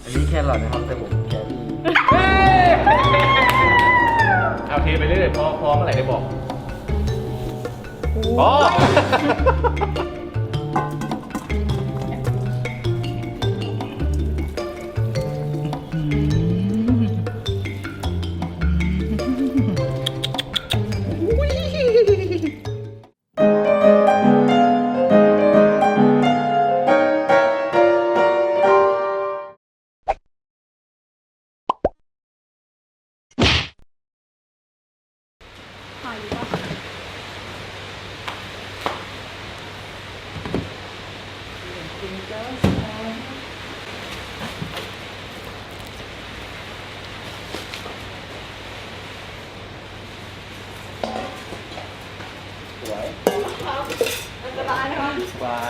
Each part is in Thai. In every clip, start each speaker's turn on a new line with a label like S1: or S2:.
S1: อันนี้แครอทนะครับแต่ผมแครี่
S2: เอาเทไปเรื่อยๆพอเมื่อไหร่ได้บอกอ๋อว่า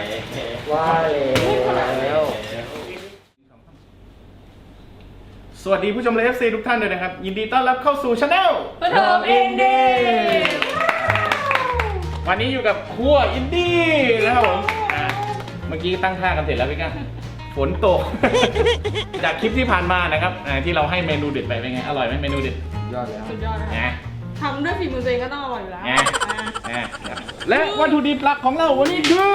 S2: แล้ว สวัสดีผู้ชมเลฟซีทุกท่านเลยนะครับยินดีต้อนรับเข้าสู่ช anel
S3: ปฐมอินดี้
S2: วันนี้อยู่กับครัวอินดี้นะครับผมเมื่อกี้ตั้งท่ากันเสร็จแล้วพี่ก้าฝนตก จากคลิปที่ผ่านมานะครับที่เราให้เมนูเด็ดไปเป็นไงอร่อยไหมเมนูเด็ด
S1: ยอดแล้ว
S3: สุดยอดนะ
S2: นะ
S3: ทำด้วยฝีมือตัวเองก็ต้องอร่อยอยู่แล้ว
S2: และวัตถุดิบหลักของเราวันนี้คือ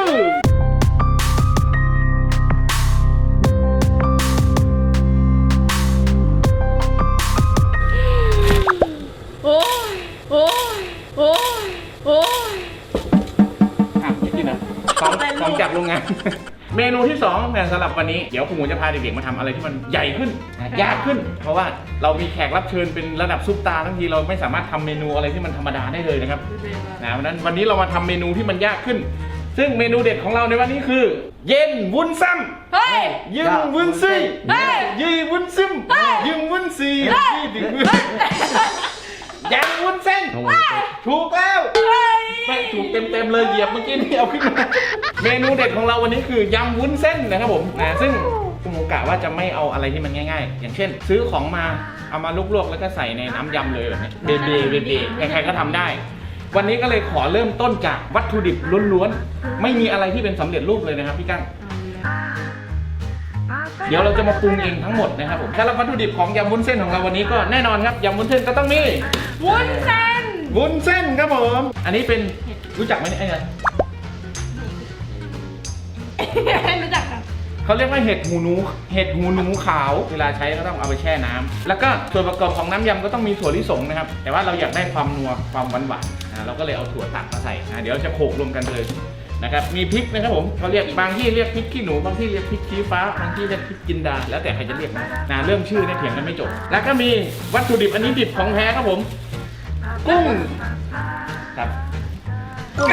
S3: โอ้ยโอ้ยโอ้ยโอ้ย
S2: กินนะของจากโรงงาน เมนูที่2เนี่ยสำหรับวันนี้เดี๋ยวคุณหมูจะพาเด็กๆมาทำอะไรที่มันใหญ่ขึ้นยากขึ้น เพราะว่าเรามีแขกรับเชิญเป็นระดับซุปตาร์ทั้งทีเราไม่สามารถทำเมนูอะไรที่มันธรรมดาได้เลยนะครับเพราะฉะนั้นวันนี้เรามาทำเมนูที่มันยากขึ้น ซึ่งเมนูเด็ดของเราในวันนี้คือ เย็นวุ้นซ้ำ
S3: เฮ้ย
S2: ยิงวุ้นซี่
S3: เฮ้ย
S2: ยีวุ้นซึมยิงวุ้นซียี่ดึงวุ้นยังวุ้นเส้นถูกแล้วไม่ถูกเต็มๆเลยเหยียบเมื่อกี้นี่เอาขึ้นมาเมนูเด็ดของเราวันนี้คือยำวุ้นเส้นนะครับผมซึ่งคุณหมูกะว่าจะไม่เอาอะไรที่มันง่ายๆอย่างเช่น ซื้อของมาเอามาลวกๆแล้วก็ใส่ในน้ำยำเลยแบบนี้เบใครๆก็ทำได้ วันนี้ก็เลยขอเริ่มต้นจากวัตถุดิบล้วนๆไม่มีอะไรที่เป็นสำเร็จรูปเลยนะครับพี่กั้งเดี๋ยวเราจะมาปรุงเองทั้งหมดนะครับผมสำหรับวัตถุดิบของยำวุ้นเส้นของเราวันนี้ก็แน่นอนครับยำวุ้นเส้นก็ต้องมี
S3: วุ้นเส้น
S2: วุ้นเส้นครับผมอันนี้เป็นรู้จักไหมเนี่ยไอ้เนี่ย
S3: ให้รู้จักกัน
S2: เขาเรียกว่าเห็ดหูหนูขาวเวลาใช้ก็ต้องเอาไปแช่น้ำแล้วก็ส่วนประกอบของน้ำยำก็ต้องมีถั่วลิสงนะครับแต่ว่าเราอยากได้ความนัวความหวานเราก็เลยเอาถั่วตัดมาใส่เดี๋ยวจะโขลกรวมกันเลยนะครับมีพริกนะครับผมเขาเรียกบางที่เรียกพริกขี้หนูบางที่เรียกพริกชี้ฟ้าบางที่เรียกพริกจินดาแล้วแต่ใครจะเรียกนะเรื่องชื่อเนี่ยเถียงกันไม่จบแล้วก็มีวัตถุดิบอันนี้ดิบของแท้ครับผมกุ้งครับกุ้ง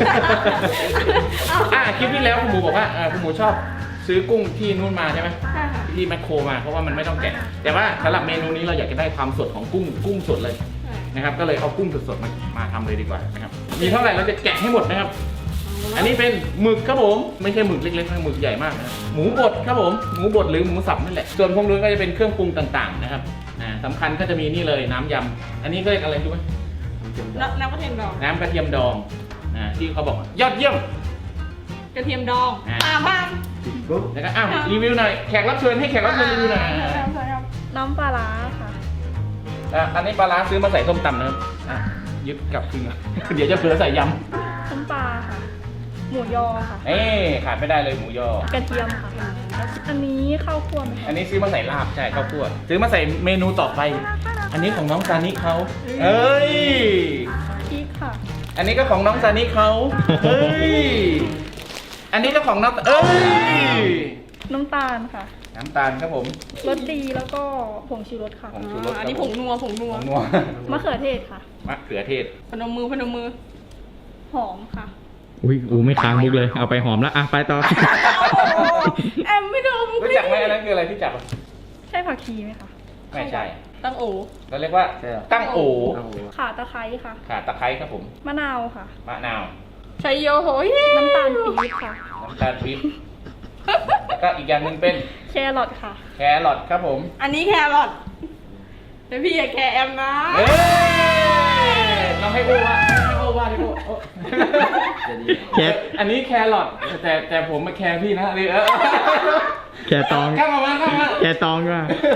S2: คลิปที่แล้วคุณหมูบอกว่าคุณหมูชอบซื้อกุ้งที่นู่นมาใช่ไหมที่แมคโครมาเพราะว่ามันไม่ต้องแกะแต่ว่าสำหรับเมนูนี้เราอยากจะได้ความสดของกุ้งสดเลยนะครับก็เลยเอากุ้งสดๆมาทำเลยดีกว่านะครับมีเท่าไหร่เราจะแกะให้หมดนะครับอันนี้เป็นหมึกครับผมไม่ใช่หมึกเล็กๆนะหมึกใหญ่มากนะหมูบดครับผมหมูบดหรือหมูสับนั่นแหละส่วนพวกนู้นก็จะเป็นเครื่องปรุงต่างๆนะครับสำคัญก็จะมีนี่เลยน้ำยำอันนี้ก็เรียกอะไรรู้ไหม
S3: น้ำกระเทียมดอง
S2: น้ำกระเทียมดองที่เขาบอกยอดเยี่ยม
S3: กระเทียมดองบ้าง
S2: แล้วก็รีวิวหน่อยแขกรับเชิญให้แขกรับเชิญรีวิวหน่อย
S4: น้ำปลาร้าค่ะ
S2: อันนี้ปลาร้าซื้อมาใส่ส้มตำนะครับยึดกลับคืนเดี๋ยวจะเผื่อใส่ยำ
S4: น้ำปลาค่ะ หมูยอค่ะ
S2: ขาดไม่ได้เลยหมูยอก
S4: ระเทียมค่ะ อันนี้ข้าวคั่วไหม
S2: อันนี้ซื้อมาใส่ลาบใช่ข้าวคั่วซื้อมาใส่เมนูต่อไป อันนี้ของน้องซานิเขาเอ้ย
S4: พริกค่ะ
S2: อันนี้ก็ของน้องซานิเขาเฮ้ยอันนี้ก็ของน้องเอ้ย
S4: น้ำตาลค่ะ
S2: น้ำตาลครับผม
S4: รสดีแล้วก็ผงชูรสค่ะ
S2: ผงชูรส
S3: อันนี้ผงนัว
S2: ผงนัว
S4: มะเขือเทศค่ะ
S2: มะเขือเทศ
S3: พนมมือ
S4: หอมค่ะ
S5: อุ้ยไม่ค้างมุกเลยเอาไปหอมแล้วไปต่อ
S3: แอมไม่ดม
S2: รู้จักไหมอันนั้นคืออะไรที่จับ
S4: ใช่ผักชีไหมคะ
S2: ไม่ใช่
S3: ตั้งโอ
S2: เราเรียกว่าตั้งโอ
S4: ข่าตะไคร้ค่ะ
S2: ข่าตะไคร้ครับผม
S4: มะนาวค่ะ
S2: มะนาว
S3: ชัยโยโหย
S4: น้ำตาลปี๊บค่ะ
S2: น้ำตาลปี๊บแล้วก็อีกอย่างหนึ่งเป็น
S4: แครอทค่ะ
S2: แครอทครับผม
S3: อันนี้แครอทแต่พี่อย่าแคร์แอมนะ
S2: เฮ้ยเราให้โอว่าที่โอ
S5: แคร
S2: อันนี้แครอทแต่ผมมาแคร์พี่นะ
S5: แค่ตอง
S2: เข้ามา
S5: แค่ตองก็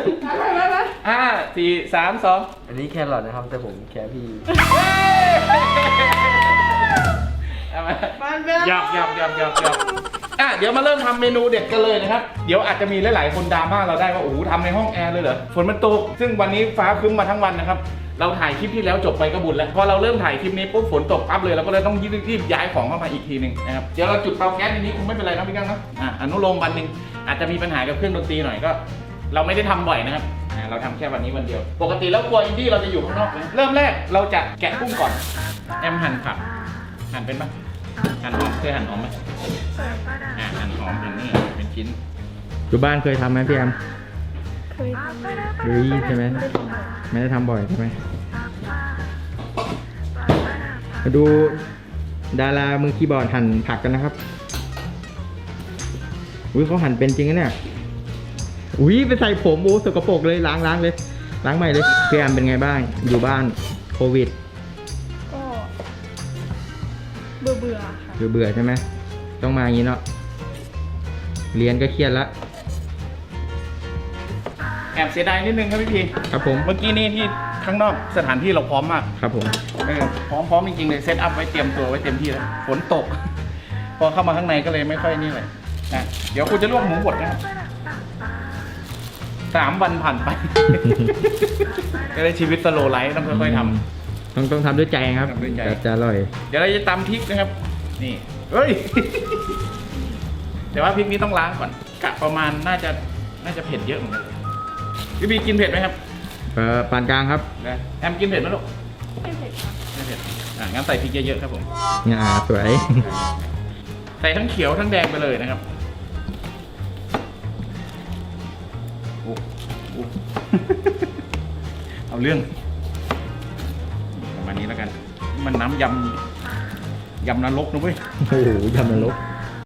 S2: 5 4 3 2
S1: อันนี้แครอทนะครับ แต่ผมแครพี่
S2: เอามาหยอกเดี๋ยวมาเริ่มทำเมนูเด็ดกันเลยนะครับ เดี๋ยวอาจจะมีหลายๆคนดราม่าเราได้ว่าโอ้โหทำในห้องแอร์เลยเหรอ ฝนมันตก ซึ่งวันนี้ฟ้าครึ้มมาทั้งวันนะครับ เราถ่ายคลิปที่แล้วจบไปก็บุญแล้ว พอเราเริ่มถ่ายคลิปนี้ปุ๊บฝนตกปั๊บเลยเราก็เลยต้องรีบย้ายของเข้ามาอีกทีหนึ่งนะครับ เดี๋ยวเราจุดเตาแก๊สทีนี้คงไม่เป็นไรนะพี่กังเนาะอนุโลมวันหนึ่งอาจจะมีปัญหากับเครื่องดนตรีหน่อยก็ เราไม่ได้ทำบ่อยนะครับเราทำแค่วันนี้วันเดียว ปกติแล้วครัวอินดี้เราจะอยู่ข้างนอกนะเริ่มแรกเราจะแกะกุ้งก่อน แอมหั่นผักหั่นเป็นปะหั่นหอมเคยหั่นหอมไหมหั่นหอมเป็นนี่เป็นชิ้น
S5: อยู่บ้านเคยทำไหมพี่แอม
S4: เคยทำ
S5: เฮ้ยใช่ไหมไม่ได้ทำบ่อยใช่ไหมมาดูดารามือคีย์บอร์ดหั่นผักกันนะครับอุ้ยเขาหั่นเป็นจริงนะเนี่ยอุ้ยไปใส่ผมโอ้สกปรกเลยล้างเลยล้างใหม่เลยพี่แอมเป็นไงบ้างอยู่บ้านโควิด
S4: ก็เบื่อค่ะ
S5: เบื่อใช่ไหมต้องมาอย่างนี้เนาะเรียนก็เครียดละ
S2: แอบเสียดายนิดนึงครับพี่พี
S5: ครับผม
S2: เมื่อกี้นี่ที่ข้างนอกสถานที่เราพร้อมมาก
S5: ครับผม
S2: พร้อมจริงๆเลยเซตอัพไว้เตรียมตัวไว้เต็มที่แล้วฝนตก พอเข้ามาข้างในก็เลยไม่ค่อยนี่เลยนะเดี๋ยวคุณจะลวกหมูบดนะครับ3 วันผ่านไป ก็เลยชีวิตสโลว์ไลฟ์ต้องค่อยๆทำ
S5: ต้องทำด้วยใจครับ
S2: ทำด้วยใจ
S5: จะอร่อย
S2: เดี๋ยวเราจะตำพริกนะครับ นี่เฮ้ย แต่ว่าพริกนี้ต้องล้างก่อนกะประมาณน่าจะเผ็ดเยอะเหมือนกันพี่บีกินเผ็ดไหมครับ
S5: ปานกลางครับ
S2: นะแอมกินเผ็ดไหมลูก
S4: ไม่เผ็ดค่ะ
S2: ไม่เผ็ดงั้นใส่พริกเยอะๆครับผม
S5: สวย
S2: ใส่ทั้งเขียวทั้งแดงไปเลยนะครับโอ้ เอาเรื่องประมาณนี้แล้วกันมันน้ำยำนรกนะเว้ย
S5: โอ้โหยำนรก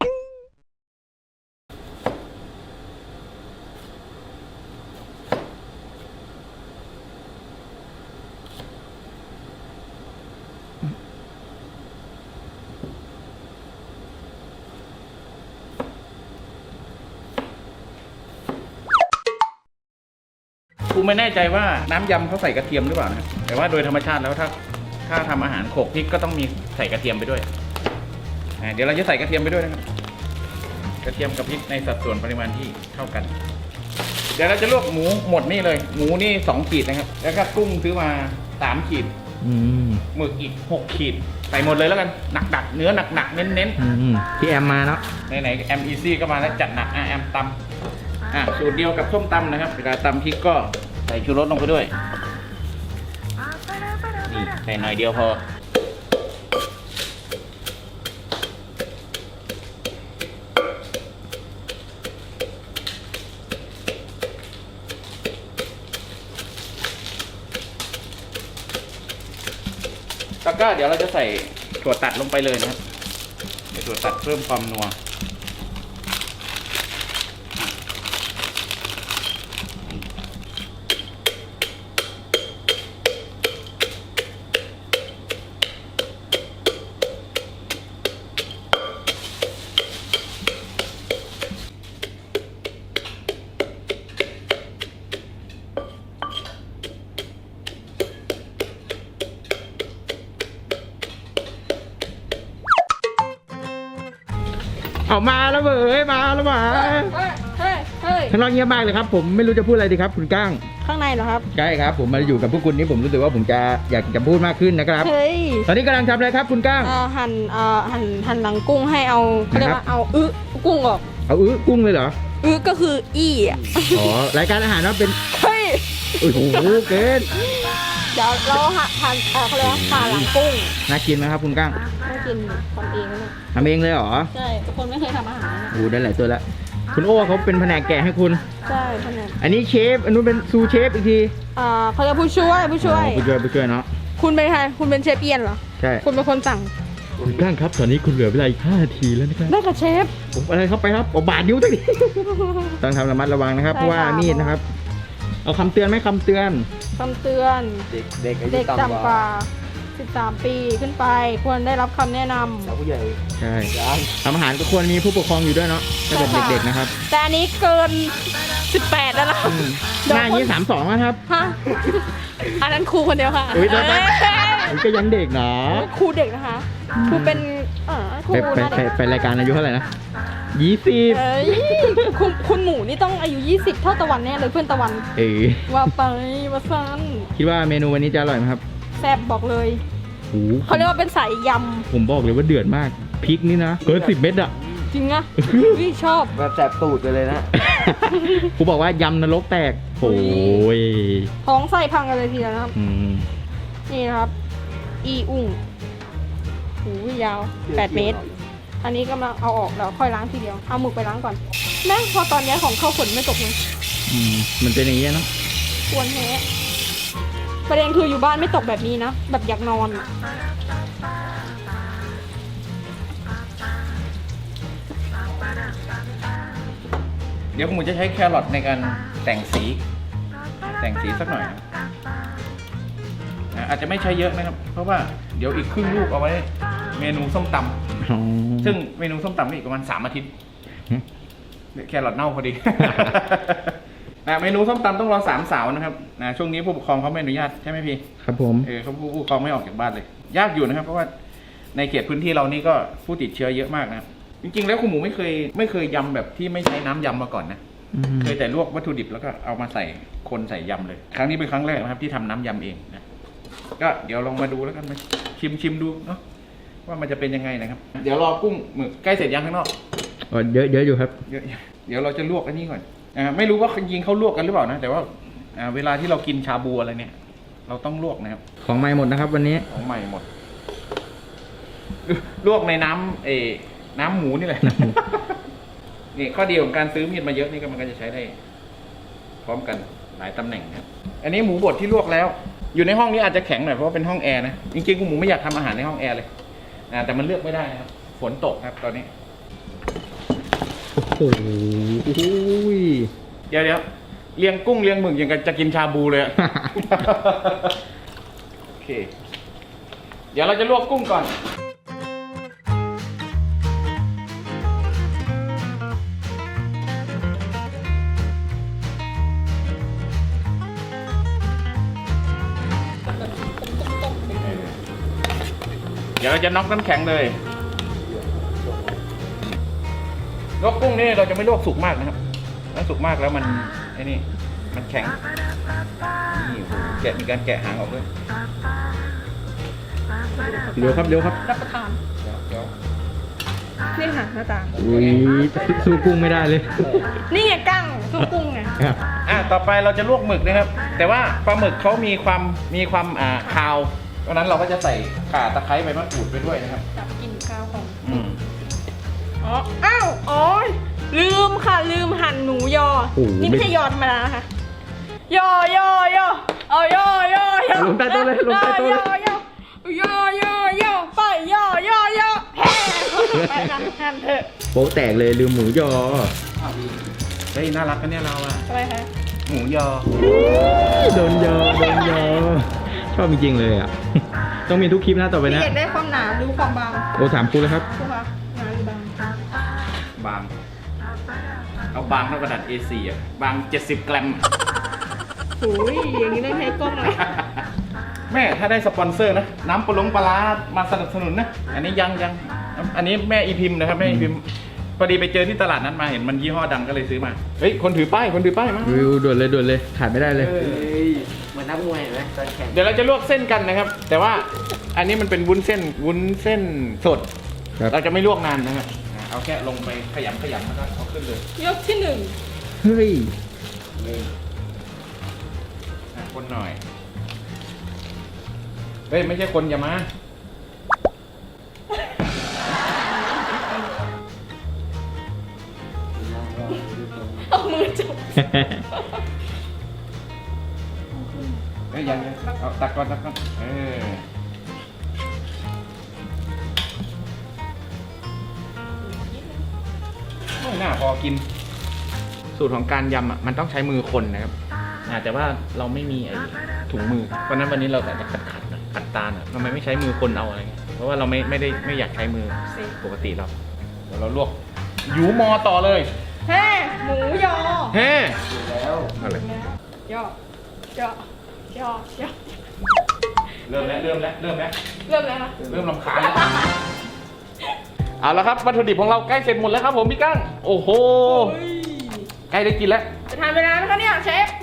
S2: กูไม่แน่ใจว่าน้ำยำเขาใส่กระเทียมหรือเปล่านะแต่ว่าโดยธรรมชาติแล้วถ้าทำอาหารโขลกพริกก็ต้องมีใส่กระเทียมไปด้วยเดี๋ยวเราจะใส่กระเทียมไปด้วยนะครับกระเทียมกับพริกในสัดส่วนปริมาณที่เท่ากัน เดี๋ยวเราจะลวกหมูหมดนี่เลยหมูนี่2 ขีดนะครับแล้วก็กุ้งซื้อมา3 ขีดหมึกอีก6 ขีดใส่หมดเลยแล้วกันหนักๆเนื้อหนักๆเน้นๆ
S5: พี่แอมมาเนาะ
S2: ไหนๆแอมอีซี่ก็มาแล้วจัดหนักแอมตำสูตรเดียวกับส้มตำนะครับเวลาตำพริกก็ใส่ชูรสลงไปด้วยนี่ใส่หน่อยเดียวพอแล้วก็เดี๋ยวเราจะใส่ถั่วตัดลงไปเลยนะครับใส่ถั่วตัดเพิ่มความนัว
S5: เอามาแล้วเว้ยมาแล้วมา
S4: เฮ้ย
S5: ข้างนอกเงียบมากเลยครับผมไม่รู้จะพูดอะไรดีครับคุณก้าง
S4: ข้างในเหรอครับ
S5: ใช่ครับผมมาอยู่กับพวกคุณนี่ผมรู้สึกว่าผมจะอยากจะพูดมากขึ้นนะครับ
S4: เฮ้ย
S5: ตอนนี้กำลังทำอะไรครับคุณก้าง
S4: หั่นหลังกุ้งให้เอาเขาเรียกว่าเอากุ้งออก
S5: เอากุ้งเลยเหรอ
S4: ก็คืออี้อ่ะ
S5: อ๋อรายการอาหารว่าเป็น
S4: เฮ้ย
S5: โอ้โหเกิน
S4: เดี๋ยวเราหั่นเขาเรียกว่าผ่าหลังกุ้ง
S5: น่ากินไหมครับคุณก้าง
S4: ไม่กินทำเองนะเนี่ย
S5: ทำเองเลยเหรอ
S4: ใช่ทุกคนไม่เคยทำอาหารนะ
S5: โอ้ได้หลายตัวแล้วคุณโอ้เขาเป็นแผนกแกะให้คุณ
S4: ใช่ขนาด
S5: อันนี้เชฟอันนู้นเป็นซูเชฟอีกที
S4: เขาเรียกผู้ช่วย
S5: อ๋อผู้ช่วยเนาะ
S4: คุณเป็นใครคุณเป็นเชฟเอียนเหรอ
S5: ใช่
S4: คุณเป็นคนสั่ง
S5: คุณก้างครับตอนนี้คุณเหลือเวลาอีก5 นาทีแล้วนะครับ
S4: ได้กับเชฟ
S5: ผมอะไรเข้าไปครับบาดนิ้วตั้งนี้ต้องทำระมัดระวังนะครับ
S4: ใช่
S5: เพราะว่า
S4: ค่ะ
S5: มีดนะครับ เอาคำเตือนไหมคำเตือน
S4: คำเตือน
S1: เด็กอายุ
S4: เด็ก
S1: ต่ำ
S4: ต่ำ
S1: ก
S4: ก
S1: ว่า
S4: ว่า 13 ปีขึ้นไปควรได้รับคำแนะนำ
S1: สาวผู้ใหญ่
S5: ใช่
S1: ยัง
S5: ทำอาหารก็ควรมีผู้ปกครองอยู่ด้วยเนาะถ้าเกิดเด็กๆนะครับ
S4: แต่อันนี้เกิน 18 แล้วนะ
S5: หน้าอย่างนี้32นะครับ
S4: ฮะอันนั้นครูคนเดียวค่ะ
S5: อุ๊ยได้ไหม
S4: เอ้ย
S5: มันก็ยังเด็กเนาะ
S4: ครูเด็กนะคะครูเป็นครู
S5: ไป
S4: น่าเด็ก
S5: ไปรายการอายุเท่าไหร่นะ20
S4: เอ้ยคุณหมูนี่ต้องอายุ 20 เท่าตะวันแน่เลยเพื่อนตะวัน ว่าไปว่าซัน
S5: คิดว่าเมนูวันนี้จะอร่อยไหมครับ
S4: แซ่บบอกเลย
S5: โอ้โห
S4: เขาเรียกว่าเป็นสายย
S5: ผมบอกเลยว่าเดือดมากพริกนี่นะเกิน10 เม็ดอะ
S4: ำจริงอะวิชอบ
S1: แบบแสบตูดไปเลยนะ
S5: กูบอกว่ายำนรกแตกโอ้ย
S4: ท้องไส้พังกันเลยทีเดียวนะครับ
S5: อืม
S4: นี่นะครับ อีอุ้งหูยาว 8 เมตร อันนี้กำลังเอาออกแล้วค่อยล้างทีเดียว เอาหมึกไปล้างก่อนแม่งพอตอนนี้ของเข้าฝนไม่ตกเลย
S5: มันเป็นอย่างนี้เนาะ
S4: ควรแท้ประเด็นคืออยู่บ้านไม่ตกแบบนี้นะ แบบอยากนอนอะ
S2: เดี๋ยวคุณหมูจะใช้แครอทในการแต่งสีสักหน่อยนะอาจจะไม่ใช้เยอะนะครับ เพราะว่าเดี๋ยวอีกครึ่งลูกเอาไว้เมนูส้มตำ
S5: อ๋อ
S2: ซึ่งเมนูส้มตำนี่อีกประมาณ3 อาทิตย์แครอทเน่าพอดี เมนูส้มตำต้องรอ3 สาวนะครับช่วงนี้ผู้ปกครองเขาไม่อนุญาตใช่ไหมพี่
S5: ครับผม
S2: เขาผู้ปกครองไม่ออกจากบ้านเลย ยากอยู่นะครับ เพราะว่าในเขตพื้นที่เรานี่ก็ผู้ติดเชื้อเยอะมากนะครับจริงๆแล้วคุณหมูไม่เคยยำแบบที่ไม่ใช้น้ำยำมาก่อนนะ เคยแต่ลวกวัตถุดิบแล้วก็เอามาใส่คนใส่ยำเลย ครั้งนี้เป็นครั้งแรกนะครับที่ทำน้ำยำเองนะก็เดี๋ยวลองมาดูแล้วกันมาชิมดูเนาะว่ามันจะเป็นยังไงนะครับ เดี๋ยวรอกุ้งหมึกใกล้เสร็จยังข้างนอก
S5: เยอะอยู่ครับ
S2: เดี๋ยวเราจะลวกอันนี้ก่อนไม่รู้ว่าจริงๆเขาลวกกันหรือเปล่านะแต่ว่าเวลาที่เรากินชาบูอะไรเนี่ย เราต้องลวกนะครับ
S5: ของใหม่หมดนะครับวันนี้
S2: ของใหม่หมด ลวกในน้ำหมูนี่แหละ นี่ข้อดีของการซื้อมีดมาเยอะนี่ก็มันก็จะใช้ได้ พร้อมกันหลายตำแหน่งครับอันนี้หมูบดที่ลวกแล้ว อยู่ในห้องนี้อาจจะแข็งหน่อยเพราะว่าเป็นห้องแอร์นะจริงๆคุณหมูไม่อยากทำอาหารในห้องแอร์เลยแต่มันเลือกไม่ได้นะครับฝนตกครับตอนนี้
S5: โอ้โห
S2: เดี๋ยวเลี้ยงกุ้งเลี้ยงหมึกอย่างกับจะกินชาบูเลยอะ โอเค เดี๋ยวเราจะลวกกุ้งก่อนเดี๋ยวเราจะน็อกน้ำแข็งเลยลวกกุ้งนี่เราจะไม่ลวกสุกมากนะครับถ้าสุกมากแล้วมันมันแข็งนี่โหมีการแกะหางออกด้วย
S5: เร็วครับเร็วครับ
S4: รับประทาน
S2: เดี๋ยว
S4: นี่ค่ะหน้าตา
S5: อุ้ยสู้กุ้งไม่ได้เลย
S4: นี่ไงกั้งสู้กุ้งไง
S2: ต่อไปเราจะลวกหมึกนะครับ แต่ว่าปลาหมึกเขามีความคาวเพราะนั้นเราก็จะใส่ข่าตะไคร้ใบมะกรูดไปด้วยนะครับ
S4: จับกลิ่นข้าวของ
S2: อืม
S4: อ้าวลืมค่ะลืมหั่นหนูยอ
S5: โอ้โห
S4: นี่ไม่ใช่ยอธรรมดานะคะยอเอายอ
S5: ลงใต้โต๊ะเลยลงใต้โต๊ะเลย
S4: ยอไปยอไปค่ะหั่นเถอะ
S5: โป๊ะแตกเลยลืมหมูยอ
S2: เฮ้ยน่ารักกันเนี่ยเราอะ
S4: อะไรคะ
S2: หมูยอ
S5: โดนยอชอบจริงๆเลยอ่ะ ต้องมีทุกคลิปนะต่อไป
S4: พี่
S5: นะ
S4: อยากได้ความหนาหรือความบาง
S5: โอ้ถามกูเลยครับ
S4: ครูคะหนาหรือบาง
S2: บาง เอาบางเท่ากระดาษ A4 อ่ะบาง70 กรัม
S4: โอ้ยอย่างนี้ได้ให้กล้องเลย
S2: แม่ถ้าได้สปอนเซอร์นะน้ำปลาร้ามาสนับสนุนนะอันนี้ยังอันนี้แม่อีพิมพ์นะครับแม่อีพิมพ์พอดีไปเจอที่ตลาดนั้นมาเห็นมันยี่ห้อดังก็เลยซื้อมาเฮ้ยคนถือป้ายมา
S5: วิวด่วนเลยขาดไม่ได้เลย
S1: เหมือนนักมวยเห็นไหมตอนแข่ง
S2: เดี๋ยวเราจะลวกเส้นกันนะครับ แต่ว่าอันนี้มันเป็นวุ้นเส้นสด
S5: ครับ
S2: เราจะไม่ลวกนานนะครับเอาแค่ลงไปขยำแล้วก็เอาขึ้นเลย
S4: ยกที่หนึ่ง
S5: เฮ้ย
S2: คนหน่อยเฮ้ยไม่ใช่คนอย่ามา
S4: เอามือจับ
S2: เฮ้ยยังเอาตักก่อนไม่น่าพอกิน สูตรของการยำมันต้องใช้มือคนนะครับแต่ว่าเราไม่มีไอ้ถุงมือเพราะนั้นวันนี้เราแต่จะขัดๆหน่อยขัดตาลอ่ะทำไมไม่ใช้มือคนเอาอะไรเงี้ยเพราะว่าเราไม่อยากใช้มือปกติเราเดี๋ยวเราลวกหยูมอต่อเลย
S4: เฮ้หมูยอ
S2: เฮ้
S1: แล้ว
S2: อะไร
S4: ยอยอยอยอ
S2: เริ่มแล้ว
S4: เริ่มแล้วนะ
S2: เริ่มรำคาญแล้วเอาละครับวัตถุดิบของเราใกล้เสร็จหมดแล้วครับผมพี่กั้งโอ้โหใกล้ได้กินแล้ว
S4: จะทานเวลาไหมคะเนี่ยเชฟ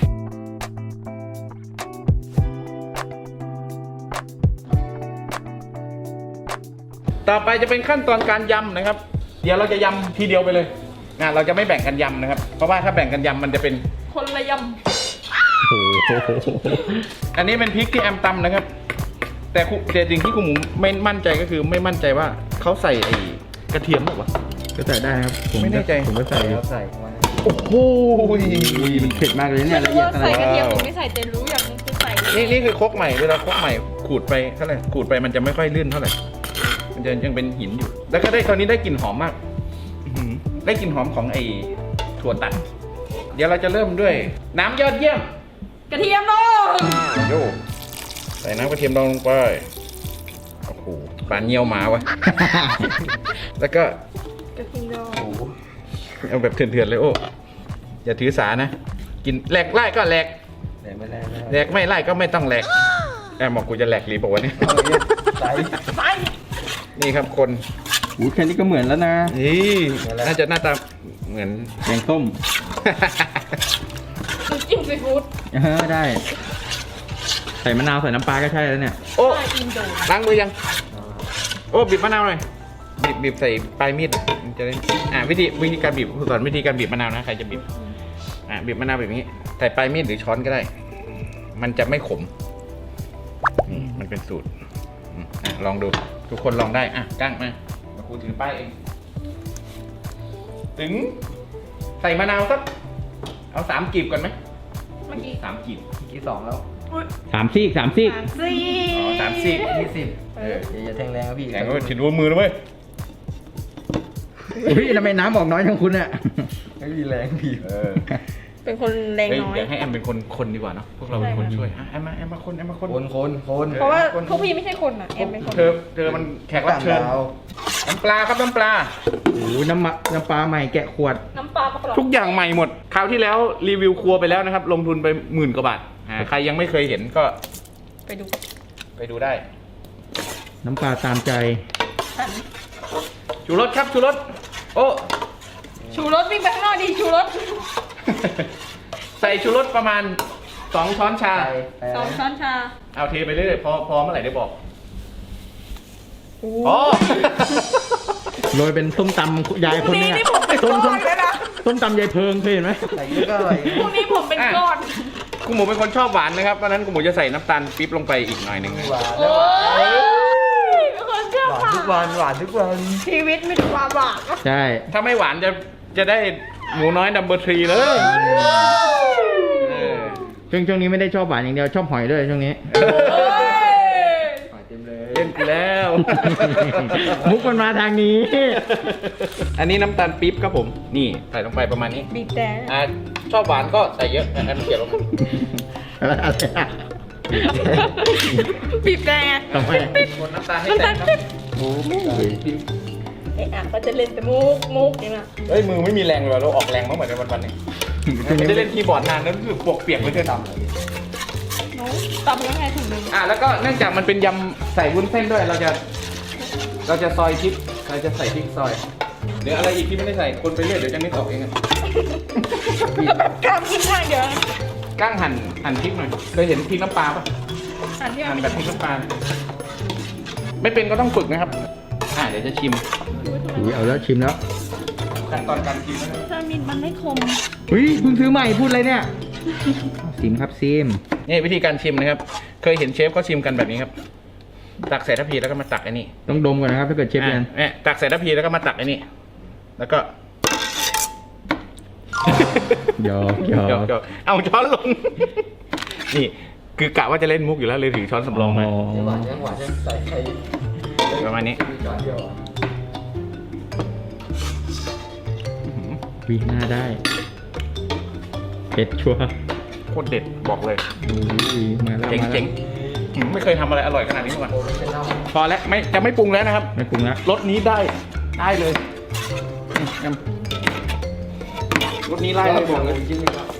S2: ต่อไปจะเป็นขั้นตอนการยำนะครับเดี๋ยวเราจะยำทีเดียวไปเลยเราจะไม่แบ่งกันยำนะครับเพราะว่าถ้าแบ่งกันยำมันจะเป็น
S4: คนละย
S5: โอ้โห
S2: อันนี้เป็นพริกที่แอมตำนะครับแต่สิ่งที่คุณหมูไม่มั่นใจก็คือไม่มั่นใจว่าเขาใส่ไอ้กระเทียมหรือเปล่า
S5: ก็ใส่ได้ครับผม
S2: ไม่แน่ใจ
S5: ผมก็ใส่
S1: แล้วใส่มา
S2: โอ้โห
S5: มันเผ็ดมากเลย
S4: ำ
S5: เนี่ยละเอียดขนาด
S4: ใส่กระ
S5: นี้
S4: เทียมหรือไม่ใส่เจนรู้อย่างนึงคือใส่
S2: นี่คือครกใหม่เวลาครกใหม่ขูดไปเท่าไหร่ขูดไปมันจะไม่ค่อยลื่นเท่าไหร่มันจะยังเป็นหินอยู่ แล้วก็ได้ตอนนี้ได้กลิ่นหอมมากอื้อหือได้กลิ่นหอมของไอ้ถั่วตัด เดี๋ยวเราจะเริ่มด้วยน้ำยอดเยี่ยม
S4: กระเทียมลง
S2: โยใส่น้ำกระเทียมดองลงไปโอ้โหปลาเงี้ยวหมาวะ แล้วก็
S4: กระเทียมลง
S2: เอาแบบเถื่อนๆเลยโอ้อย่าถือสานะ กินแหลกไล่ก็แหลก
S1: แต่ไม่ได้
S2: แหลกไม่ไล่ก็ไม่ต้องแหลกแอบบอกกูจะแหลกหรือเปล่าวะเนี่ย
S1: ใส่
S2: นี่ครับคน
S5: โอ้แค่นี้ก็เหมือนแล้วนะ
S2: นี่น่าจะหน้าตาเหมือน
S5: แกงส้ม
S4: น้ำจิ้มซีฟู้ด
S5: ได้ ใส่มะนาวใส่น้ำปลาก็ใช่แล้วเนี่ย
S2: โอ้
S4: ใส่อินโด
S2: ล้างมือยัง โอ้บีบมะนาวหน่อยบีบใส่ปลายมีดมันจะได้วิธีการบีบสอนวิธีการบีบมะนาวนะใครจะบีบบีบมะนาวแบบนี้ใส่ปลายมีดหรือช้อนก็ได้ มันจะไม่ขมนี่มันเป็นสูตรลองดูทุกคนลองได้กั้งมาครูถือป้ายเองถึงใส่มะนาวสักเอา3 กีบก่อนไหม
S4: เมื่อกี้
S2: 3 กีบ
S1: ที่2แล้ว
S5: สามซีก
S4: สี่
S2: 3 ซีก
S1: 20อย่าแทงแรงครับพี่
S2: แข่งก็ถือว่ามือนะเว้ย
S5: อุ้ยทำไมน้ำออกน้อยจังคุณเนี่ย
S1: ไม่มีแรงพี่
S4: เป็นคนแรงน้อย
S2: เดี๋ยวให้แอมเป็นคนดีกว่าเนาะพวกเราเป็นคนช่วยแอมมาคน
S1: คน
S4: เพราะว่าพวกพี่ไม่ใช่คนอ่ะเอ็มเป็นคน
S2: เธอมันแขกรับเชิญน้ำปลาครับน้ำปลา
S5: โอ้น้ำปลาใหม่แกะขวด
S4: น้ำปลากระป๋อง
S2: ทุกอย่างใหม่หมดคราวที่แล้วรีวิวครัวไปแล้วนะครับลงทุนไป10,000 กว่าบาทใครยังไม่เคยเห็นก็
S4: ไปดู
S2: ได้
S5: น้ำปลาตามใจ
S2: ชูรสครับชูรสโอ้
S4: ชูรสวิ่งไปข้างนอกดีชูรส
S2: ใส่ชูรสประมาณ2 ช้อนชา
S4: 2 ช้อนชา
S2: เอาเทไปเรื่อยๆพอเมื่อไหร่ได้บอก
S4: โอ้
S2: อ๋อ
S5: โรยเป็นส้มตำยายคนเนี่ย
S4: นี่ผมเป็นก้อนเลยนะ
S5: ส้มตำยายเพิงเคยเห็นไหม
S1: ใส่เยอะก็อร่อย
S4: พรุ่งนี้ผมเป็นก้อน
S2: คุณหมูเป็นคนชอบหวานนะครับเพราะฉะนั้นคุณหมูจะใส่น้ำตาลปี๊บลงไปอีกหน่อยหนึ่ง
S1: หวาน
S4: โอ้ยเป็นคนเชื่อ
S1: หวาน
S4: ค่ะ
S1: ทุกวันหวานทุกวัน
S4: ชีวิตมีแต่ความหวาน
S5: ใช่
S2: ถ้าไม่หวานจะได้หมูน้อยนัมเบอร์3เลย
S5: ช่วงนี้ไม่ได้ชอบหวานอย่างเดียวชอบหอยด้วยช่วงนี้
S1: หอยเต็มเลย
S2: เล่นกูแล้ว
S5: มุกมันมาทางนี้
S2: อันนี้น้ำตาลปี๊บครับผม นี่ใส่ลงไปประมาณนี้
S4: บีบแต่
S2: ชอบหวานก็ใส่เยอะอันเขียนลงมา
S5: อะไรอะ
S4: บีบแต่
S5: ทำไม
S2: คนน้ำตาลให้แตกครับ
S1: หมู
S4: ก็จะเล่นแต่มุกนี่นะ
S2: เฮ้ยมือไม่มีแรงเลยเราออกแรงมากเหมือนกันวันๆนี้ไม่ได้เล่นคีย์บอร์ดนานแล้วรู้สึกปวกเปียกเลยเกิน
S1: ตำเลย
S4: น้องตำยังไงถุงหนึง
S2: แล้วก็เนื่องจากมันเป็นยำใส่วุ้นเส้นด้วยเราจะซอยพริกเราจะใส่พริกซอยเดี๋ยวอะไรอีกที่ไม่ได้ใส่คนไปเรื่อยเดี๋ยวจะไม่ตกเองอะ
S4: แล้วแบบกล้ามขึ้นข้างเดียว
S2: กั้งหั่นพริกหน่อยเคยเห็นพริกน้ำปลาปะ
S4: อันที่
S2: หั่น
S4: มัน
S2: แบบพริกน้ำปลาไม่เป็นก็ต้องฝึกนะครับเดี๋ยวจะชิม
S5: อุ้ยเอาแล้วชิมแล้ว
S2: ขั้นตอนการชิมนะครับ
S4: ถ้ามีดมันไม่คม
S5: อุ้ยเพิ่งซื้อใหม่พูดอะไรเนี่ยซิมครับซิม
S2: นี่วิธีการชิมนะครับ เคยเห็นเชฟเขาชิมกันแบบนี้ครับ ตักใส่ทัพพีแล้วก็มาตักไอ้นี่
S5: ต้องดมก่อนนะครับถ้าเกิดเชฟเรียน
S2: เนี่ยตักใส่ทัพพีแล้วก็มาตักไอ้นี่แล้วก็
S5: หยอกหยอก
S2: หยอกเอาช้อนลง นี่คือกะว่าจะเล่นมุกอยู่แล้วเลยถือช้อนสำรองมา
S1: หวานยังใส่ไข่
S2: ประมาณนี้
S1: มีช้อนเดียว
S5: วิหน้าได้เผ็ดชัวร์
S2: โคตรเด็ดบอกเลย
S5: อุ้ยมาแล้ว
S2: เจ๋ง
S5: มา
S2: เจ๋
S5: แล้ว
S2: งไม่เคยทำอะไรอร่อยขนาดนี้มาก่อน
S1: โอ้ไม่เป็นเน่า
S2: พอแล้วจะไม่ปรุงแล้วนะครับ
S5: ไม่ปรุงแล้ว
S2: รสนี้ได้เลยรสนี้ไล่เลยบอกเลย
S1: ชิ้นนึงครับ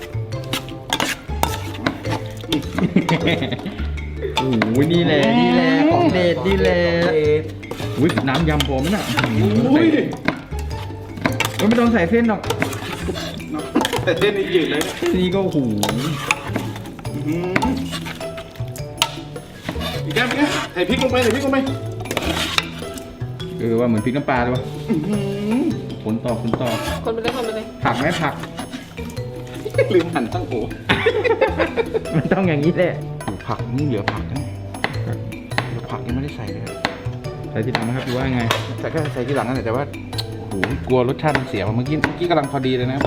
S5: โอ้โหนี่แหละนี่แหละของเด็ดนี่แหละ
S1: ของเด็ด
S5: อุ้ยน้ำยำผมน่ะ
S2: อุ้ย
S5: ไม่ต้องใส่เส้นหรอก
S2: แต่เส้นนี้ยืดเลยนะ
S5: นี่ก็โอ้โห
S2: อีกแก้มใส่พริกลงไปใส่พริกลงไป
S5: ว่าเหมือนพริกน้ำปลาเลยวะผลต่อ
S4: คนไปเลยคนไปเลย
S5: ผักไหมผัก
S2: ลืมหั่นตั้งโอ
S5: มันต้องอย่างนี้แหละ
S2: ผักนี่เหลือผักนะเหลือผักยังไม่ได้ใส่เลย
S5: ใส่ที่หลังนะครับหรือว่าไง
S2: แต่ก็ใส่ที่หลังนั่นแหละแต่ว่าโอ้โหกลัวรสชาติมันเสียเมื่อกี้กำลังพอดีเลยนะครับ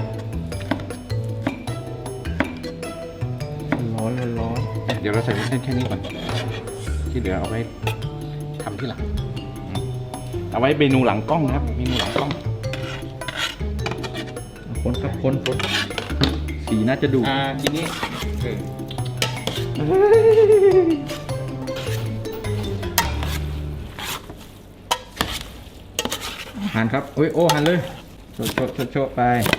S5: ร้อน
S2: เดี๋ยวเราใส่เส้นแค่นี้ก่อนที่เหลือเอาไว้ทำที่หลังเอาไว้เมนูหลังกล้องนะครับเมนูหลังกล้อง
S5: คนครับคนสีน่าจะดู
S2: ทีนี้
S5: หั่นครับโอ้หั่นเลยโชะไป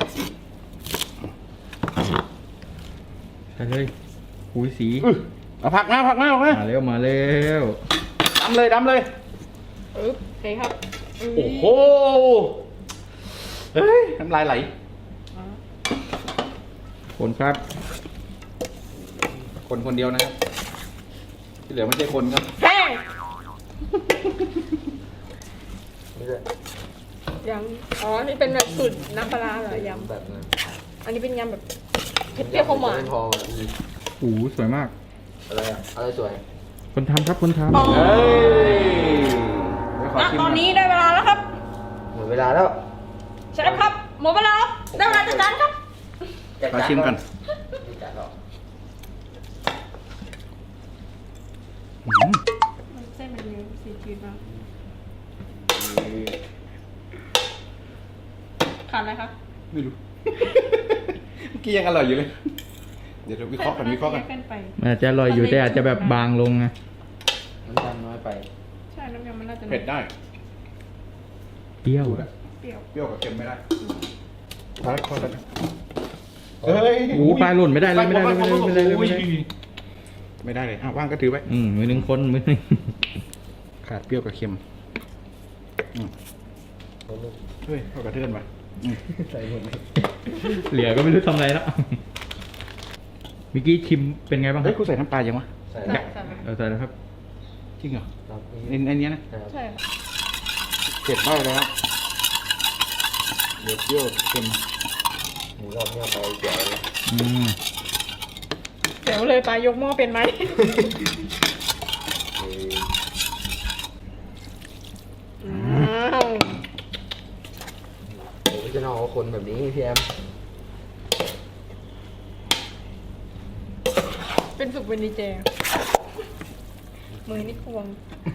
S5: ใส่เลยอุ้ยสี
S2: เอาผักมา
S5: มาเร็ว
S2: ดำเลย
S4: อึ๊บโอเคครับ
S2: โอ้โหเฮ้ยน้ำลายไหล
S5: คนครับ
S2: คนเดียวนะครับที่เหลือไม่ใช่คนครับ
S4: แห้ง
S1: นี่ด้วย
S4: ยำอ๋อนี่เป็นแบบสูตรน้ำปลาร้าเหรอยำ
S1: แบบนั้น
S4: อันนี้เป็นยำแบบเผ็ดเปรี้ยวข้าวหวาน
S1: ไม่พอแบบนี้
S5: โอ้โหสวยมาก
S1: อะไรอ่ะอะไรสวย
S5: คนทำครับคนทำ
S4: อ๋อ
S2: เฮ้ยเดี๋ยวขอ
S4: ณ
S2: ชิม
S4: ตอนนี้ได้เวลาแล้วครับ
S1: หมดเวลาแล้ว
S4: เชฟครับหมดเวลาครับได้เวลาจัดจานครับ
S2: ขอชิมก่อน
S1: นี่จัดหรอ
S4: เส้นมันเยอะสีจืดมากขาดอะไรครับ
S2: ไม่รู้ เมื่อกี้ยังอร่อยอยู่เลย เดี๋ยวเราวิเคราะห์กัน
S4: เส้นไป
S5: มันอาจจะอร่อยอยู่แต่อาจจะแบบบางลงนะ
S1: น้ำตาลน้อยไป
S4: ใช่น้ำยำมันน่าจะ
S2: เผ็ดได้
S5: เปรี้ยว
S4: เปรี้ยว
S2: เปรี้ยวกับเค็มไม่ได้พอแล้วเฮ้ย
S5: โอ้โหปลายหล่นไม่ได้เลยไม่ได้เลย
S2: ไม่ได้เลยว่างก็ถือไว้
S5: มือหนึ่งคนมือหนึ่ง
S2: ขาดเปรี้ยวกับเค็มเฮ้ยเข้ากระเทือนมา
S1: ใส่หมดเลย
S5: เหลือก็ไม่รู้ทำอะไรแล้วเมื่อกี้ชิมเป็นไงบ้างค
S2: เฮ้
S5: รั
S2: ย
S5: บ
S2: กูใส่น้ำปลายังวะ
S1: ใส่
S4: ใช่ใช่
S5: ใส่แล้วครับ
S2: จริงเหรอ
S1: ครับ
S2: ในนี้นะ
S1: ครับ
S4: ใช่
S2: เผ็ดได้แล้วเดี๋ยวเปรี้ยวเค็ม
S1: หมูรอบเนี้ยไปเดี๋ยวเลย
S4: เดี๋ยวเลยปลายกหม้อเป็นไหม อ้าว
S1: โอ้ยจะนอกคนแบบนี้พี่แอม
S4: เป็นสุกเป็นดีเจมือนี่ควง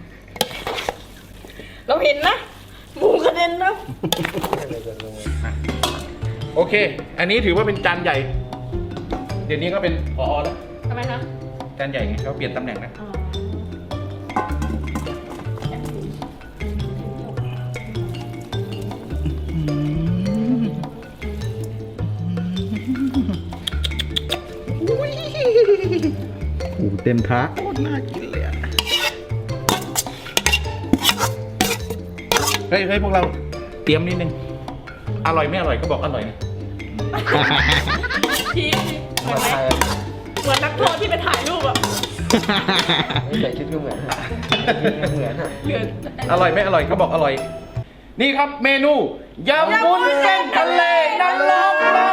S4: เราเห็นนะหมูกระเด็นนะ
S1: อะไรกันลงมา
S2: โอเค อันนี้ถือว่าเป็นจานใหญ่ เดี๋ยวนี้ก็เป็นผอแล้ว
S4: ทำไมคะ
S2: จานใหญ่ไงเขาเปลี่ยนตำแหน่งนะ
S4: อ๋อ
S5: โอ้เต็มท้า
S2: โคตรน่ากินเลยอ่ะ เฮ้ยพวกเราเตรียมนิดนึง อร่อยไม่อร่อยก็บอกอร่อยนะ
S4: พี่เหมือนไหมเหมือนนักโทษที่ไปถ่ายรูปอะ
S1: ไม่ใส่ชุดก็เหมือนฮะเหมือนฮะ
S4: เหลือ
S2: อร่อยไม่อร่อยก็บอกอร่อย นี่ครับเมนูยำวุ้นเส้นทะเลน้ำลง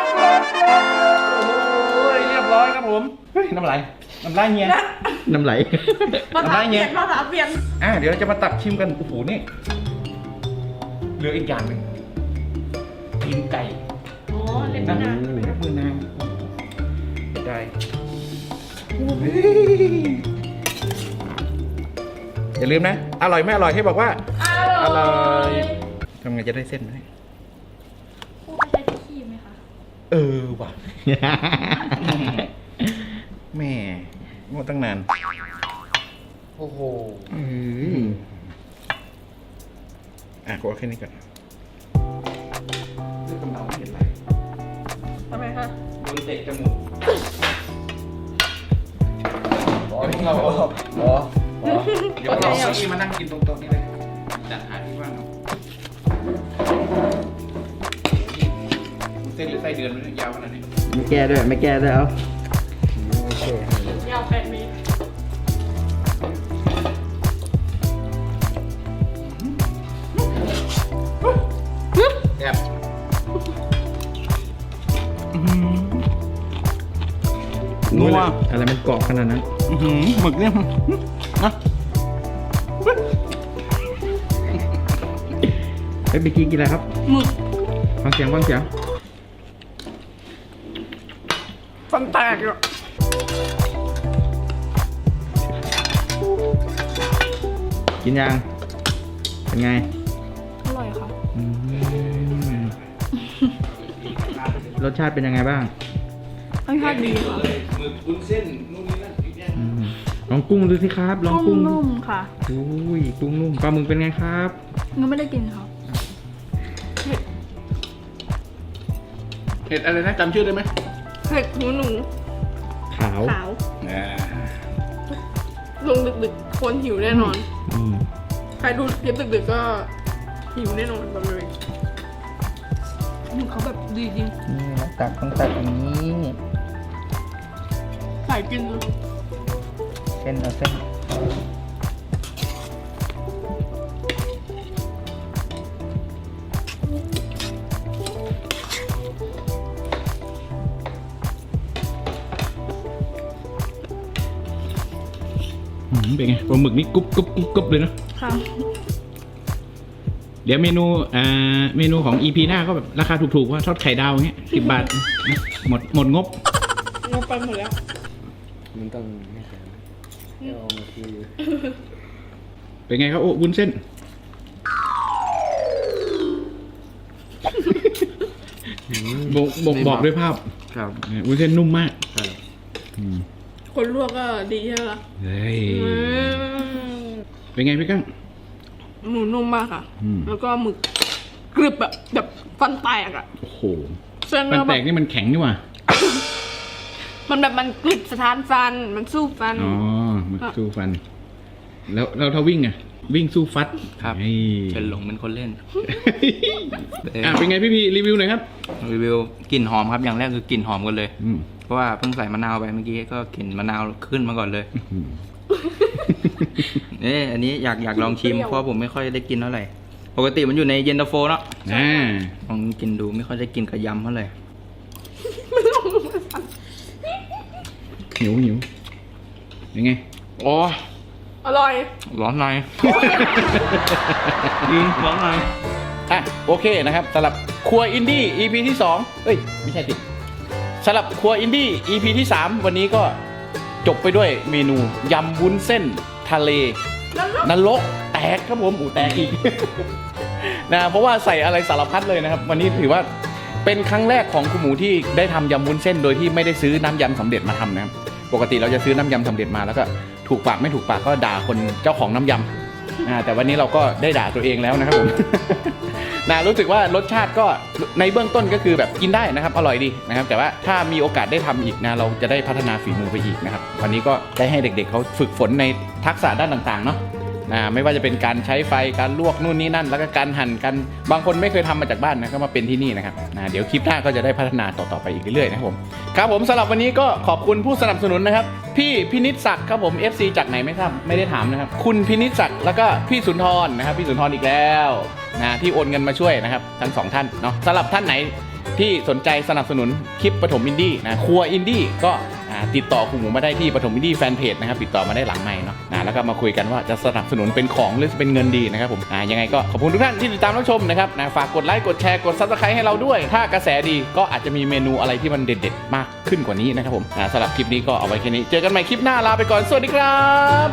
S2: โอ้ยเรียบร้อยครับผม เฮ้ยน้ำลายเฮีย
S5: น้ำไหล
S4: ภาษาเปลี่ยนภาษาเปลี่ยน
S2: เดี๋ยวเราจะมาตักชิมกัน โอ้โหนี่เหลืออีกอย่างหนึ่งตีนไก่
S4: อ๋อเล่น
S2: นะ
S4: นาน
S2: เล็บมือนางได้อย่าลืมนะ อร่อยไม่อร่อยให้บอกว่า อร่อยทำไงจะได้เส้นไหม
S4: คู่ใช้ที่ขี้ไหมคะ
S2: ว่ะ แม่งดตั้งนาน
S1: โอ้โห
S2: กดแค่นี้ก่อนเรื่องกำเดาไม่เห็นไร
S4: ทำไมคะ
S2: โดนเตะจมูก
S1: อ๋อ
S2: เดี๋ยวเรา
S1: อ๋อ
S2: เดี๋ยวเราเอาที่มานั่งกินตรงๆนี้เลยจัดหาที่ว่างเอาเส้นหรือไส้เดือนมันยาวขนาดนี้
S5: ไม่แก้ด้วยไม่แก้ด้วยเอา
S1: โอเค
S4: ยาว8 เมตร
S2: แอบนัว
S5: อะไรมันเกาะขนาดนั้น
S2: หมึกเนี่ยนะ
S5: เฮ้ยเมื่อกี้กินอะไรครับ
S4: หมึก
S5: ฟังเสียงฟังเสียง
S4: ฟันแตกอ่ะ
S5: กินยังเป็นไง
S4: อร่อยค่ะ
S5: อืมรสชาติเป็นยังไงบ้าง
S4: รสชาติดีค่ะ
S2: หมึกวุ้นเส้นนู่นนี่นั่นอีกอย่าง
S5: อืมลองกุ้งดูสิครับ ลองกุ้ง
S4: นุ่มๆค่ะ
S5: อุ้ยกุ้งนุ่มปลาหมึกเป็นไงครับ
S4: ยังไม่ได้กินค่ะ
S2: เห็ดอะไรนะจำชื่อได้ไหม
S4: เผ็ดหูหนู
S5: ขาว
S4: ขาว
S2: อ่า
S4: ลงดึกๆ คนหิวแน่นอน
S5: อืม
S4: ใครดูคลิปดึกๆก็หิวแน่นอนแบบเลยหมึกเขาแบบดีจริง
S5: นี่เราตักต้องตักอย่างนี้
S4: ใส่กินดู
S5: เส้นเอาเส้น
S2: เป็นไงปลาหมึกนี่กรุบกรุบกรุบกรุบเลยนะ
S4: ค่ะ
S2: เดี๋ยวเมนูของ EP หน้าก็แบบราคาถูกๆว่าทอดไข่ดาวอย่างเงี้ย10 บาทนะหมดงบ
S4: งบไปหมดแล้ว
S1: มันต้องไม่ใช่เอามาที
S2: เป็นไงครับโอ้วุ้นเส้น บอกด้วยภาพ
S1: ครับ
S2: วุ้นเส้นนุ่มมาก
S1: ครับ
S4: คนลวกก็ดีใช่ไหมล่ะ
S2: เฮ้ยเป็นไงพี่กั้ง
S4: หมูนุ่มมากค่ะ
S2: อืม
S4: แล้วก็หมึกกรึบแบบฟันแตกอ่ะ
S2: โอ้โห
S4: เส้น
S2: มัน
S4: ก็
S2: แต
S4: แบบ
S2: กนี่มันแข็งนี่หว่า
S4: มันแบบมันกรึบสะท้านฟัน มันสู้ฟัน
S2: อ๋อมันสู้ฟัน แล้วเราถ้าวิ่งอะวิ่งสู้ฟัด
S6: ครับ
S2: เฮ้ย
S6: เป็นหลงเป็นคนเล่น
S2: เป็นไงพี่รีวิวหน่อยครับ
S6: รีวิวกลิ่นหอมครับอย่างแรกคือกลิ่นหอมกันเลย
S2: อืม
S6: เพราะว่าเพิ่งใส่มะนาวไปเมื่อกี้ก็กลิ่นมะนาวขึ้นมาก่อนเลย
S2: อืม
S6: อันนี้อยากลองชิม
S4: เปรี้ยว
S6: เพราะผมไม่ค่อยได้กินเท่าไหร่ปกติมันอยู่ในเย็นตาโฟเนาะ
S2: อ่า
S6: ลองกินดูไม่ค่อยได้กินกับยำเท่าไหร่
S2: หิวยังไงอ๋อ
S4: อร่อย
S6: ร้อนในร้อนใน
S2: อ่ะโอเคนะครับสำหรับครัวอินดี้ EP ที่2เอ้ยไม่ใช่สิสำหรับครัวอินดี้ EP ที่3วันนี้ก็จบไปด้วยเมนูยำวุ้นเส้นทะเลนรกแตกครับผมแตกอีก นะเพราะว่าใส่อะไรสารพัดเลยนะครับ วันนี้ถือว่าเป็นครั้งแรกของคุณหมูที่ได้ทำยำวุ้นเส้นโดยที่ไม่ได้ซื้อน้ำยำสำเร็จมาทำนะครับปกติเราจะซื้อน้ำยำสำเร็จมาแล้วก็ถูกปากไม่ถูกปากก็ด่าคนเจ้าของน้ำยำแต่วันนี้เราก็ได้ด่าตัวเองแล้วนะครับผม รู้สึกว่ารสชาติก็ในเบื้องต้นก็คือแบบกินได้นะครับอร่อยดีนะครับแต่ว่าถ้ามีโอกาสได้ทำอีกนะเราจะได้พัฒนาฝีมือไปอีกนะครับวันนี้ก็ได้ให้เด็กๆเขาฝึกฝนในทักษะด้านต่างๆเนาะไม่ว่าจะเป็นการใช้ไฟการลวกนู่นนี่นั่นแล้วก็การหั่นกันบางคนไม่เคยทำมาจากบ้านนะก็มาเป็นที่นี่นะครับเดี๋ยวคลิปหน้าก็จะได้พัฒนาต่อๆไปอีกเรื่อยๆนะครับผมครับผมสำหรับวันนี้ก็ขอบคุณผู้สนับสนุนนะครับพี่พินิจศักดิ์ครับผม FC จากไหนไม่ได้ถามนะครับคุณพินิจศักดิ์แล้วก็พี่สุนทรนะครับพี่สุนทรอีกแล้วที่โอนเงินมาช่วยนะครับทั้งสองท่านเนาะสำหรับท่านไหนที่สนใจสนับสนุนคลิปปฐมอินดี้ครัวอินดี้ก็ติดต่อคุณหมูมาได้ที่ปฐมอินดี้แฟนเพจนะครับติดต่อมาได้หลังไมค์เนาะแล้วก็มาคุยกันว่าจะสนับสนุนเป็นของหรือเป็นเงินดีนะครับผมยังไงก็ขอบคุณทุกท่านที่ติดตามรับชมนะครับฝากกดไลค์กดแชร์กด Subscribe ให้เราด้วยถ้ากระแสดีก็อาจจะมีเมนูอะไรที่มันเด็ดๆมากขึ้นกว่านี้นะครับผมสำหรับคลิปนี้ก็เอาไว้แค่นี้เจอกันใหม่คลิปหน้าลาไปก่อนสวัสดีครับ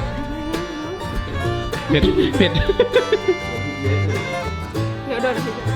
S2: เผ็ด
S4: เดี๋ยวเดิน